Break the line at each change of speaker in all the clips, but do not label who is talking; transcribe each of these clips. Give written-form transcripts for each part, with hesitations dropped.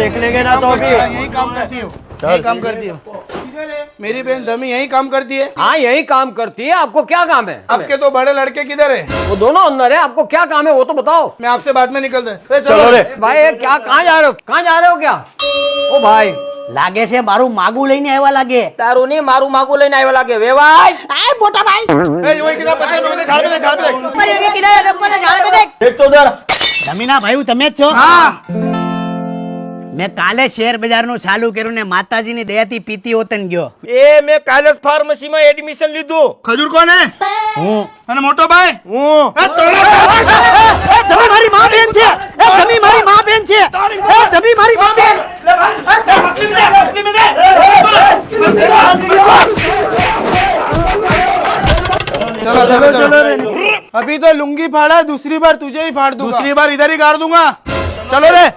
देख लेंगे ना तो अभी।
यही काम करती हूँ, यही काम करती हूँ। मेरी बहन धमी यही काम करती है।
हाँ यही काम करती है, आपको क्या काम है?
आपके तो बड़े लड़के किधर है?
वो दोनों अंदर है, आपको क्या काम है वो तो बताओ।
मैं आपसे बाद में निकलता है।
चलो रे भाई, ये क्या कहाँ जा रहे हो? कहाँ जा रहे हो क्या? ओ भाई
લાગે છે મારું માગું લઈને આવ્યા લાગે.
તારું નહીં મારું માગું લઈને આવ્યો લાગે. વેવાય
આય મોટા ભાઈ
वही किताब पकड़, पकड़, झाड़ पे देख, झाड़ पे देख।
ઉપર એક કિનારે ઉપર ઝાડ पे देख.
देख तो उधर।
જમીના ભાઈ તમે જ છો?
हाँ
મેં કાલે શેર બજારનું ચાલુ કર્યું ને માતાજીની દયાથી પીતી હોતન ગયો.
એ મેં કાલે જ ફાર્મસીમાં એડમિશન લીધું.
खजूर कौन है?
હું
અને મોટો ભાઈ?
હું
એ તોડા
એ ધમી મારી માં બેન છે. એ ધમી મારી માં બેન છે. એ ધમી મારી માં બેન.
चलो चलो चलो रे।
अभी तो लुंगी फाड़ा, दूसरी बार तुझे ही फाड़ दूंगा.
दूसरी बार इधर ही गाड़ दूंगा। चलो रे।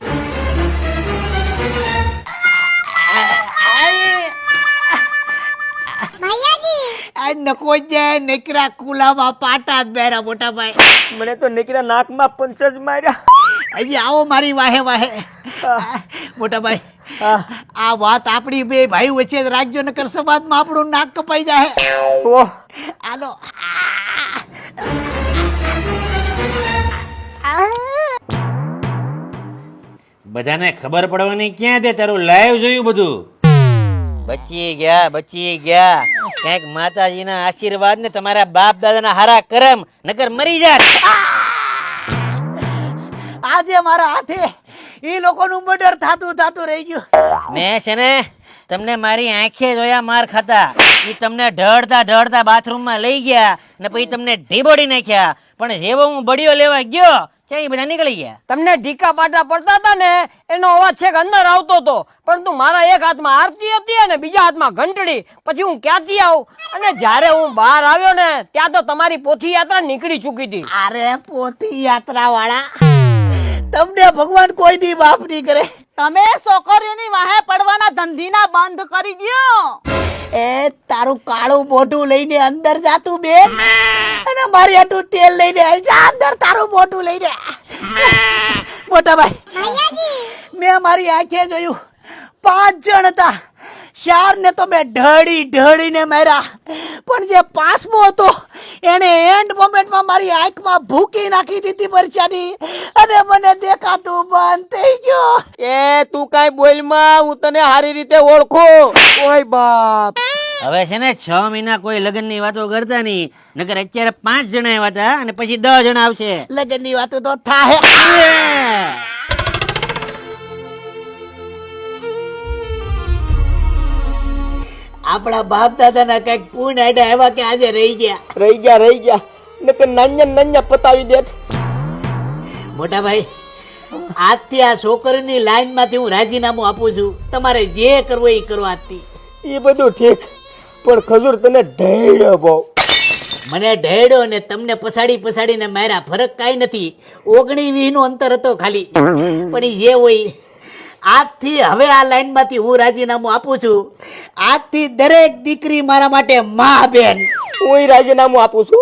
આ નકો જાય નકરા કુલામાં પાટા જ બેરા મોટા ભાઈ.
મને તો નીકળ્યા નાકમાં પંચ જ માર્યા.
હજી આવો મારી વાહે વાહે. મોટા ભાઈ આ વાત આપણી બે ભાઈ વચ્ચે જ રાખજો નકર સમાજમાં આપણું નાક કપાઈ જાય.
ઓહ
હાલો.
બધાને ખબર પડવાની ક્યાં દે, તારું લાઈવ જોયું બધું. બચી ગયા ક્યાંક માતાજીના આશીર્વાદ ને તમારા બાપ દાદાના હારા કરમ, નકર મરી જાત.
આજે મારા હાથે ઈ લોકોનું મર્ડર થાતું રહી ગયું.
મેં છે ને તમને મારી આંખે જોયા માર ખાતા. ઈ તમને ઢળતા બાથરૂમમાં લઈ ગયા ને પછી તમને ઢીબોડી નાખ્યા. પણ જેવો હું બડીઓ લેવા ગયો ત્યાં ઈ બધા નીકળી ગયા.
તમને ઢીકા પાટા પડતા હતા ને એનો અવાજ છેક અંદર આવતો હતો, પરંતુ મારા એક હાથમાં આરતી હતી અને બીજા હાથમાં ઘંટડી. પછી હું ક્યાંથી આવું? અને જ્યારે હું બહાર આવ્યો ને ત્યાં તો તમારી પોથી યાત્રા નીકળી ચૂકી હતી.
અરે પોતી યાત્રા વાળા, તમને ભગવાન કોઈ દી માફ નહીં કરે.
તમે છોકરીઓની વાહે પડવાના ધંધીના બંધ કરી દ્યો.
એ તારું કાળું મોઢું લઈને અંદર જાતું બેન, અને મારી હાટું તેલ લઈને આવી જા અંદર તારું મોઢું લઈને. મોટા ભાઈ મેં મારી આંખે જોયું 5 જણ હતા. 4 ને તો મેં ઢળીને માર્યા, પણ જે 5મો હતો એને એન્ડ મોમેન્ટમાં મારી આંખમાં ભૂકી નાખી દીધી પરચાની, અને મને દેખાતું બંધ થઈ ગયો.
એ તું કાઈ બોલમાં, હું તને સારી રીતે ઓળખું. ઓય બાપ
હવે છે ને 6 મહિના કોઈ લગ્નની વાતો કરતા નહીં, નકર અત્યારે 5 જણા આવ્યા હતા અને પછી 10 જણા આવશે.
લગનની વાતો તો થાય. આપણા બાપ દાદાના કઈક પૂર્ણ આડા આવ્યા કે આજે રહી ગયા.
નકર નાન્યા પતાવી દેત.
મોટા ભાઈ આજથી આ છોકરીની લાઈન માંથી હું રાજીનામું આપું છું. તમારે જે કરવું એ કરો આજથી.
એ બધું ઠીક, પણ ખજૂર તને ઢેડ્યો બહુ.
મને ઢેડો ને તમને પછાડીને માર્યા, ફરક કાંઈ નથી. 19-20 નું અંતર હતો ખાલી. પણ ઈ જે હોય, આજથી હવે આ લાઈન માંથી હું રાજીનામું આપું છું. આજથી દરેક દીકરી મારા માટે માં બેન.
હું રાજીનામું આપું છું.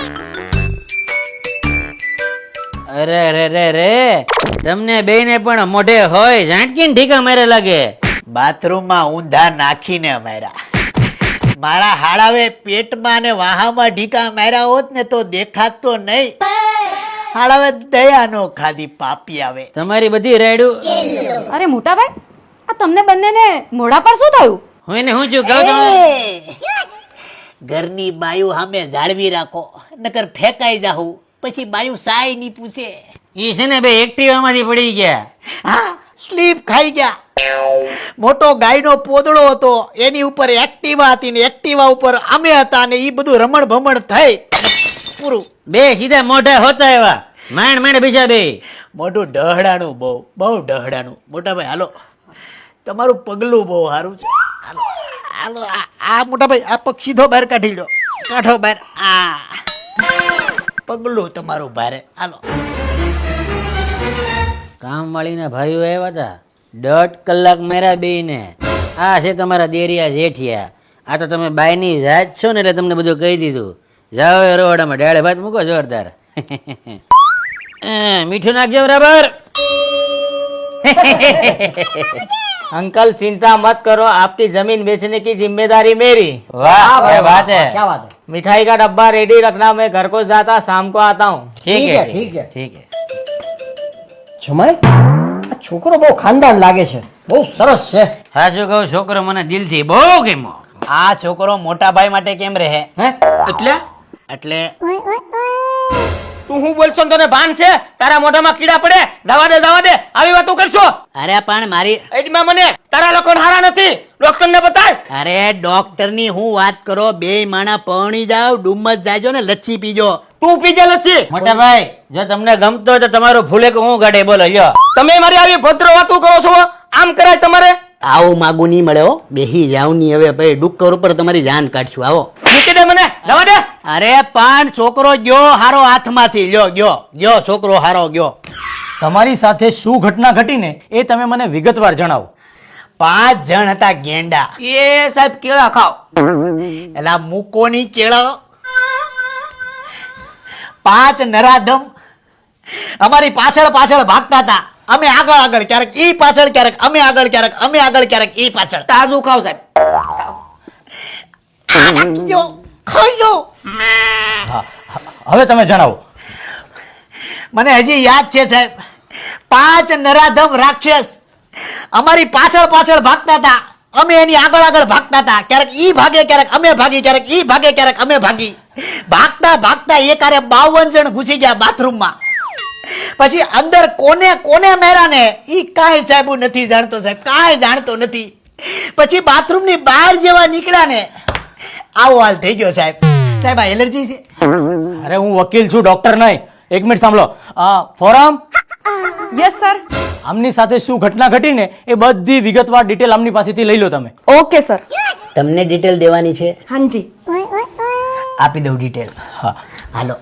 અરે તમને બેયને પણ મોઢે હોય ઝાંટકીને ઠીકા મારે લાગે.
બાથરૂમમાં ઊંધા નાખીને માર્યા. મારા હાડાવે પેટમાં અને વાહામાં ઢીકા માર્યા હોત ને તો દેખાત તો નહીં. હાડાવે દયા નો ખાધી પાપી આવે.
તમારી બધી રાયડું.
અરે મોટા ભાઈ, આ તમને બંનેને મોઢા પર શું થયું?
હું એને હું છું કહું છું.
ઘરની બાયુ સામે જાળવી રાખો, નકર ફેંકાઈ જાહું. પછી બાયુ સાય ની પૂછે.
ઈ છે ને બે એક્ટિવા માંથી પડી ગયા.
હા, સ્લીપ ખાઈ ગયા. મોટો ગાયનો પોદળો હતો, એની ઉપર એક્ટિવા હતી ને એક્ટિવા ઉપર અમે હતા, ને ઈ બધું રમણ ભમણ થઈ પૂરું.
બે સીધા મોઢા હોતા એવા માંડ બીજા બે.
મોઢું ડહડાનું, બહુ ડહડાનું. મોટા ભાઈ હાલો, તમારું પગલું બહુ સારું છે. હાલો હાલો, આ મોટા ભાઈ આ પગ સીધો બહાર કાઢી લો. કાઢો બહાર. આ પગલું તમારું ભારે. હાલો.
કામવાળીના ભાઈઓ આવ્યા હતા, 1.5 કલાક માર્યા બેયને. આ છે તમારા દેરિયા જેઠિયા. આ તો તમે બાયની જાત છો ને એટલે તમને બધું કહી દીધું. જાઓ એ રોડામાં ડાળે ભાત મૂકો જોરદાર. મીઠું નાખજો બરાબર.
अंकल चिंता मत करो, आपकी जमीन बेचने की जिम्मेदारी मेरी।
वाह क्या बात है।
क्या बात है?
मिठाई का डब्बा रेडी रखना, मैं घर को जाता शाम को आता हूँ।
ठीक है
ठीक है
ठीक है।
જમાઈ આ છોકરો બહુ ખાનદાન લાગે છે, બહુ સરસ છે.
હા શું કહું, છોકરો મને દિલથી બહુ ગમ્યો.
આ છોકરો મોટા ભાઈ માટે કેમ રહે?
હે
એટલે
એટલે
તું હું બોલશો ને તને ભાન છે? તારા મોઢામાં કીડા પડે. જવા દે આવી વાતો કરશો.
અરે પણ મારી
એડમાં મને તારા લોકો હારા નથી, ડોક્ટર ને બતાય.
અરે ડોક્ટર ની હું વાત કરો, બે માણા પરણી જાવ, ડુમ્મસ જાજો ને લચ્છી પીજો.
તું પીજે લચ્છી.
મોટા ભાઈ જો તમને ગમતો હોય તો તમારું ફૂલે કે હું ગાડે બોલો યો.
તમે મારી આવી ભદ્ર વાતો કરો છો, આમ કરાય તમારે?
આવું માગું નહીં મળે હો, બેહી જાવ ની હવે ભાઈ, ડુક્કર ઉપર તમારી જાન કાઢશું. આવો
મૂકી દે મને, જવા દે.
અરે પણ છોકરો ગયો હારો હાથમાંથી, ગયો છોકરો હારો ગયો.
તમારી સાથે શું ઘટના ઘટીને એ તમે મને વિગતવાર જણાવો.
5 જણ હતા ગેંડા.
એ સાહેબ કેળા ખાવ.
એલા મૂકોની કેળો. 5 નરાધમ અમારી પાછળ ભાગતા હતા. અમે આગળ ક્યારેક ઈ પાછળ, ક્યારેક અમે આગળ, ક્યારેક ઈ પાછળ.
તાજું ખાવ સાહેબ.
ખાઈ જાઓ.
હા, હવે તમે જણાવો.
મને હજી યાદ છે સાહેબ, 5 નરાધમ રાક્ષસ અમારી પાછળ ભાગતા હતા. અમે એની આગળ ભાગતા હતા. ક્યારેક ઈ ભાગે, ક્યારેક અમે ભાગી, ક્યારેક ઈ ભાગે, ક્યારેક અમે ભાગી. ભાગતા એકારે 52 જણ ઘૂસી ગયા બાથરૂમમાં. પછી અંદર કોને મેરા ને ઈ કાંઈ સાહેબ હું નથી જાણતો સાહેબ, કાંઈ જાણતો નથી. પછી બાથરૂમ ની બહાર જેવા નીકળ્યા ને આવો હાલ થઈ ગયો સાહેબ. સાહેબ આ એલર્જી છે.
અરે હું વકીલ છું, ડોક્ટર નહીં. એક મિનિટ સાંભળો. ફોરમ.
Yes sir.
આમની સાથે શું ઘટના ઘટીને એ બધી વિગતવાર ડિટેલ આમની પાસેથી લઈ લો તમે.
Okay sir.
તમને ડિટેલ દેવાની છે?
હાજી.
આપી દઉં ડિટેલ.
હા,
હાલો.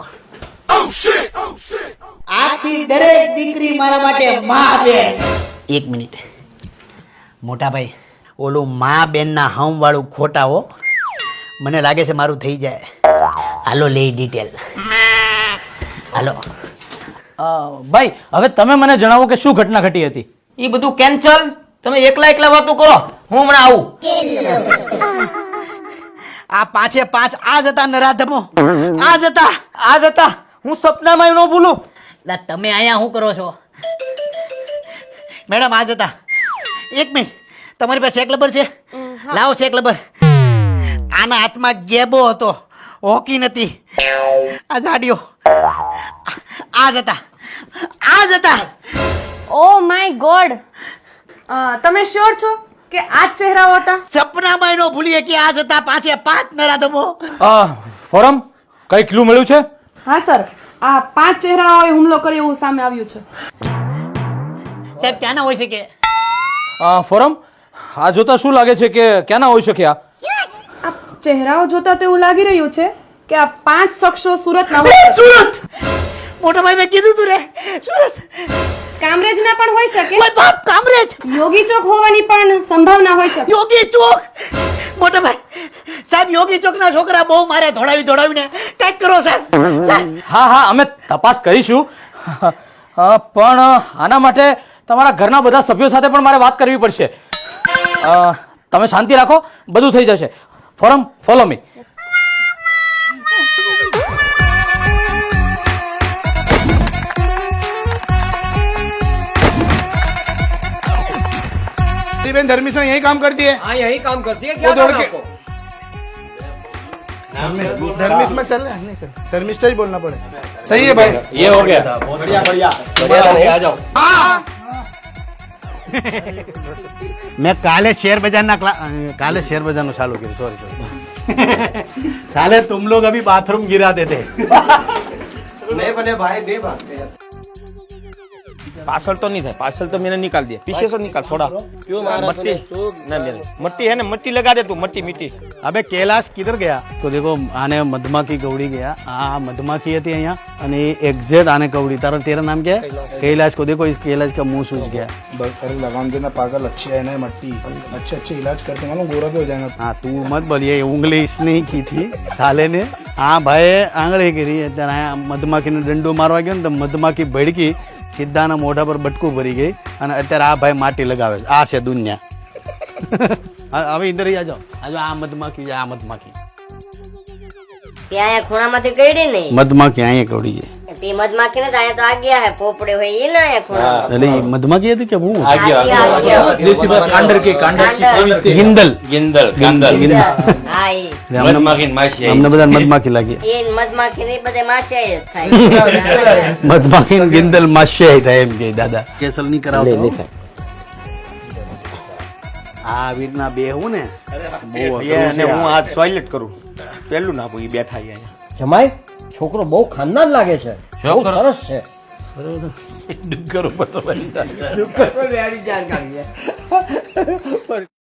આખી દરેક દીકરી મારા માટે માં બેન. એક મિનિટ મોટા ભાઈ, ઓલું માં બેન ના હમ વાળું ખોટા હો, મને લાગે છે મારું થઈ જાય. હાલો લે ડિટેલ. હાલો.
ભાઈ હવે તમે મને જણાવો કે શું ઘટના ઘટી હતી.
એ બધું કેન્સલ. તમે એકલા વાતો કરો, હું હમણાં આવું.
આ 5 આ જ હતા નરાધમો, આ જ હતા.
હું સપનામાં ન ભૂલું.
લા તમે અહીંયા શું કરો છો? મેડમ આ જ હતા. એક મિનિટ, તમારી પાસે ચેક રબર છે? લાવો ચેક રબર. આના હાથમાં ગેબો હતો, હોકી નથી. આ જાડિયો આ જ હતા.
Oh my god. તમે શ્યોર છો કે આ જ ચહેરાઓ હતા?
સપનામાં એનો ભૂલીએ કે આ જ હતા 5 નરાધમો.
ફોરમ, કઈ ક્લુ મળ્યું છે?
હા સર, આ 5 ચહેરાઓએ હુમલો કર્યો એવું સામે આવ્યું છે.
સાહેબ ક્યાંના હોય છે કે?
ફોરમ, આ જોતા શું લાગે છે કે ક્યાંના હોઈ શકે?
આ ચહેરાઓ જોતા તો એવું લાગી રહ્યું છે કે આ 5 શખ્સો સુરતના હોય.
સુરત! મોટા ભાઈ મેં કીધું તું રે, સુરત.
કામરેજના પણ હોઈ શકે.
ઓય બાપ, કામરેજ!
યોગી ચોક હોવાની પણ સંભાવના હોઈ શકે.
યોગી ચોક! મોટા ભાઈ સાહેબ, યોગી ચોક ના છોકરા બહુ મારે દોડાવીને કઈક કરો સાહેબ.
હા, અમે તપાસ કરીશું. પણ આના માટે તમારા ઘરના બધા સભ્યો સાથે પણ મારે વાત કરવી પડશે. તમે શાંતિ રાખો, બધું થઈ જશે. Forum, follow me.
मेरी बहन धर्मिष्ठ यही काम करती है.
हाँ यही काम करती है.
वो
क्या
दौड़
करना
के
आपको?
धर्मिष्ठ में चल रहा है. नहीं सर, धर्मिष्ठ ही बोलना पड़ेगा. सही है भाई.
ये हो गया.
आ जाओ.
મેં કાલે શેર બજારનું ચાલુ કર્યું. સોરી. साले तुम लोग अभी बाथरूम गिराते थे.
नहीं बने भाई, नहीं भागते.
पार्सल तो नहीं था, पार्सल तो मैंने निकाल दिया. पीछे से निकाल थोड़ा. क्यों मट्टी ना मेरे मट्टी है ना, मट्टी लगा दे तू. मट्टी मिट्टी.
अबे कैलाश किधर गया? तो देखो आने मधुमाखी कवड़ी गया. हाँ मधुमाखी थी यहाँ અને एग्जैक्ट आने कवड़ी. तेरा नाम क्या है? कैलाश को देखो, इस कैलाश का मुंह सूज गया.
अरे लगाम देना पागल, अच्छी है ना मट्टी, अच्छे इलाज करते मालूम, गोरा भी हो जाएगा.
हाँ तू मत बोल, ये उंगली इसने ही की थी साले ने. हाँ भाई आंगળી કરી. ત્યારે મધમાખીને દંડો મારવા ગયો ને તો મધમાખી ભડકી, સીધાના મોઢા પર બટકું ભરી ગઈ અને અત્યારે આ ભાઈ માટી લગાવે છે. આ છે દુનિયા. હવે ઇધર આ જાઓ, આ મધમાખી છે, આ મધમાખી.
ત્યાં ખૂણામાંથી કઈડી નહીં
મધમાખી અહીંયા કવડી છે.
તે મધમાખી ને અહીંયા તો આ ગયા હે પોપડે હોય એ ના અહીંયા ખૂણા
એટલે ઈ મધમાખી હતી કે હું
દેશી ભાષા કાંડર કે કાંડર શીખવી
ગિંદલ
ગિંદલ ગિંદલ
હા ઈ
મધમાખી માસી
અમને બધા મધમાખી લાગી.
એ મધમાખી ને બધે માસે જ થાય
મધમાખી ને ગિંદલ માસ્ય થાય એમ કે દાદા કેસલ નહીં કરાવતો. આ વીરના બે હું ને બહુ અઘરું
અને
છે
હું
આ.
આ ટોયલેટ કરું પેલું નાખું ઈ બેઠા અહીંયા
જમાઈ છોકરો બહુ ખાનદાન લાગે છે, બહુ સરસ છે.
ડુંગર ઉપર તો બની જાય.